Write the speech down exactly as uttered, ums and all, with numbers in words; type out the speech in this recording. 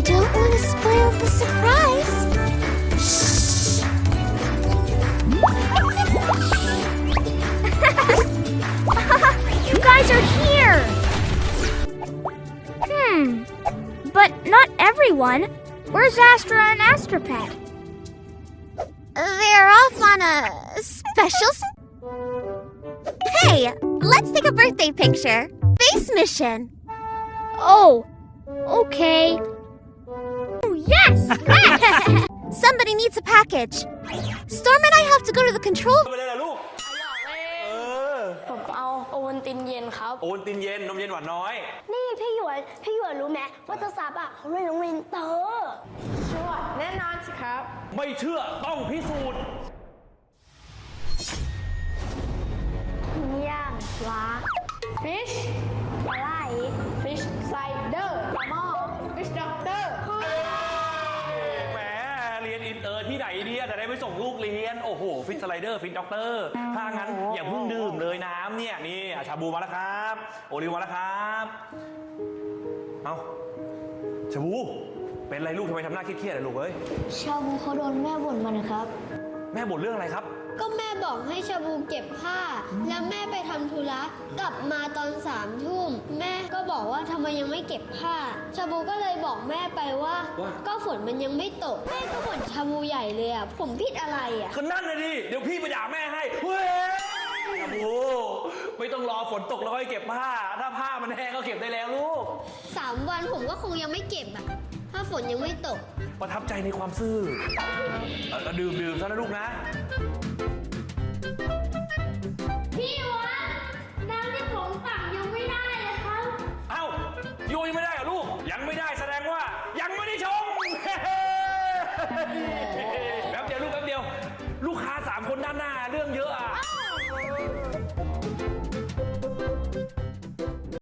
don't want to spoil the surprise. Shh. You guys are here! Hmm. But not everyone. Where's Astra and Astropet? They're off on a special... Hey, let's take a birthday picture. Space mission. Oh, okay. Oh, yes! Somebody needs a package. Storm and I have to go to the control... ไปเลยเหรอลูกเออผมเอาโอวัลตินเย็นครับโอนตินเย็นนมเย็นหวานน้อยนี่พี่หยวนพี่หยวนรู้ไหมว่าเจ้าซับอ่ะเขาเรียนโรงเรียนเตอร์ชัวร์แน่นอนสิครับไม่เชื่อต้องพิสูจน์ย่างปลา fish ปลาไหล fish slider ปลาหม้อ fish doctor แหมเรียนอินเตอร์ที่ไหนเนี่ยแต่ได้ไปส่งลูกเรียนโอ้โหฟิตสไลเดอร์ฟิตด็อกเตอร์ถ้างั้นอย่าเพิ่งดื่มเลยน้ำเนี่ยนี่อ่ะชาบูมาแล้วครับโอริวมาแล้วครับเอาชาบูเป็นไรลูกทำไมทำหน้าเครียดๆอะลูกเอ้ยชาบูเขาโดนแม่บ่นมานะครับแม่บ่นเรื่องอะไรครับก็แม่บอกให้ชาบูเก็บผ้า แล้วแม่ไปทำธุระกลับมาตอนสามทุ่มแม่ก็บอกว่าทำไมยังไม่เก็บผ้า ชาบูก็เลยบอกแม่ไปว่าว่าก็ฝนมันยังไม่ตกแม่ก็บ่นชาบูใหญ่เลยอ่ะผมผิดอะไรอ่ะก็นั่นเลยดิเดี๋ยวพี่ไปด่าแม่ให้เฮ้ยชาบูไม่ต้องรอฝนตกแล้วค่อยเก็บผ้า ถ้าผ้ามันแห้งก็เก็บได้แล้วลูกสามวันผมก็คงยังไม่เก็บอ่ะถ้าฝนยังไม่ตกประทับใจในความซื่อเอ่อดื่มดื่มซะนะลูกนะพี่วันน้ำที่ผมตักยังไม่ได้เลยครับเอ้าโยยังไม่ได้เหรอลูก ยังไม่ได้แสดงว่า ยังไม่ได้ชง แป๊บเดียวลูกแป๊บเดียว ลูกค้าสามคนด้านหน้าเรื่องเยอะอ่ะ